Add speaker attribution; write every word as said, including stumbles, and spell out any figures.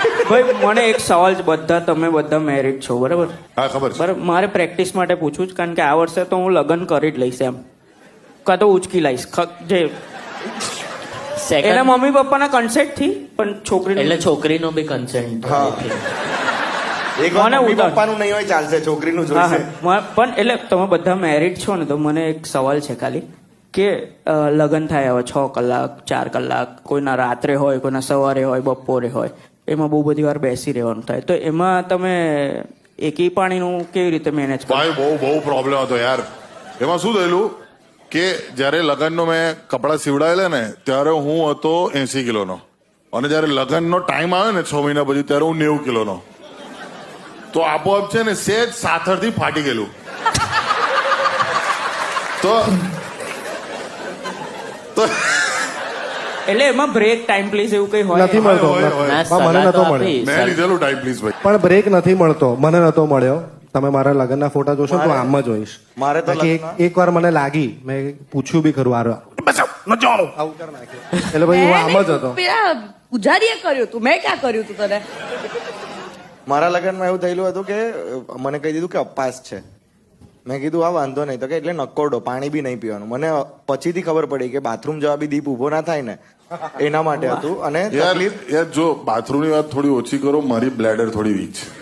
Speaker 1: ભાઈ મને એક સવાલ છે, બધા તમે બધા મેરિડ છો બરાબર?
Speaker 2: હા ખબર છે.
Speaker 1: બરાબર, મારે પ્રેક્ટિસ માટે પૂછવું છે, કારણ કે આ વર્ષે તો હું લગ્ન કરી જ લઈશ એમ, કાં તો ઉચકી લઈશ ખ- જે એના મમ્મી પપ્પાના કન્સેન્ટ થી, પણ છોકરી
Speaker 3: એટલે છોકરીનો બી કન્સેન્ટ.
Speaker 4: હા. એક વાર
Speaker 1: મને
Speaker 4: મમ્મી
Speaker 1: ઉતાર.
Speaker 4: પપ્પાનું નહીં હોય ચાલશે, છોકરીનું
Speaker 1: હા
Speaker 4: જોઈશે.
Speaker 1: હા મ- પણ એટલે તમે બધા મેરિડ છો ને, તો મને એક સવાલ છે ખાલી કે અ, લગ્ન થાય હવે છ કલાક ચાર કલાક, કોઈના રાત્રે હોય, કોઈના સવારે હોય, બપોરે હોય, એમાં બહુ બધી વાર બેસી રહેવાનું થાય, તો એમાં તમે એકી પાણીનું કેવી રીતે મેનેજ કરો?
Speaker 2: ભાઈ બહુ બહુ પ્રોબ્લેમ હતો યાર. એમાં શું થયેલું કે જયારે લગ્નનો મેં કપડા સીવડાયેલા ને ત્યારે હું હતો એસી કિલોનો, અને જયારે લગ્નનો ટાઈમ આવે ને છ મહિના પછી ત્યારે હું નેવું કિલોનો. તો આપોઆપ છે ને સેજ સાથળથી ફાટી ગયેલું. તો તો
Speaker 1: એટલે એમાં બ્રેક ટાઈમ પ્લીઝ એવું કઈ હોય?
Speaker 5: નથી મળતો.
Speaker 2: હોય, હોય.
Speaker 3: ના,
Speaker 5: હા, મને
Speaker 3: સલાહ
Speaker 5: નતો
Speaker 3: તો
Speaker 5: મળ્યો.
Speaker 3: આપી.
Speaker 2: મેં લીધેલું ટાઈમ પ્લીઝ ભાઈ.
Speaker 5: પણ બ્રેક નથી મળતો, મને નતો મળ્યો. તમે મારા લગ્નના ફોટા જોશો ને તો આમ જ હોઈશ.
Speaker 4: મારે તો
Speaker 5: બાકી એક
Speaker 4: લગ્ન-
Speaker 5: એક વાર મને લાગી, મેં પૂછ્યું બી ખરું, આરો આવું કર નાખ્યું. એટલે ભાઈ હું આમ જ હતો.
Speaker 6: પેલા પૂજારીએ કર્યું તું, મેં ક્યાં કર્યું તું તને?
Speaker 4: મારા લગ્નમાં એવું થયેલું હતું કે અ, મને કહી દીધું કે અપાસ છે. મેં કીધું આ વાંધો નહીં, તો કે એટલે નકોરડો, પાણી બી નહીં પીવાનું. મને પછીથી ખબર પડી કે બાથરૂમ જવા બી દીપ ઉભો ના થાય ને, એના માટે હતું. અને
Speaker 2: યાર
Speaker 4: તકલીફ
Speaker 2: યાર જો બાથરૂમની વાત થોડી ઓછી કરો, મારી બ્લેડર થોડી વીક છે.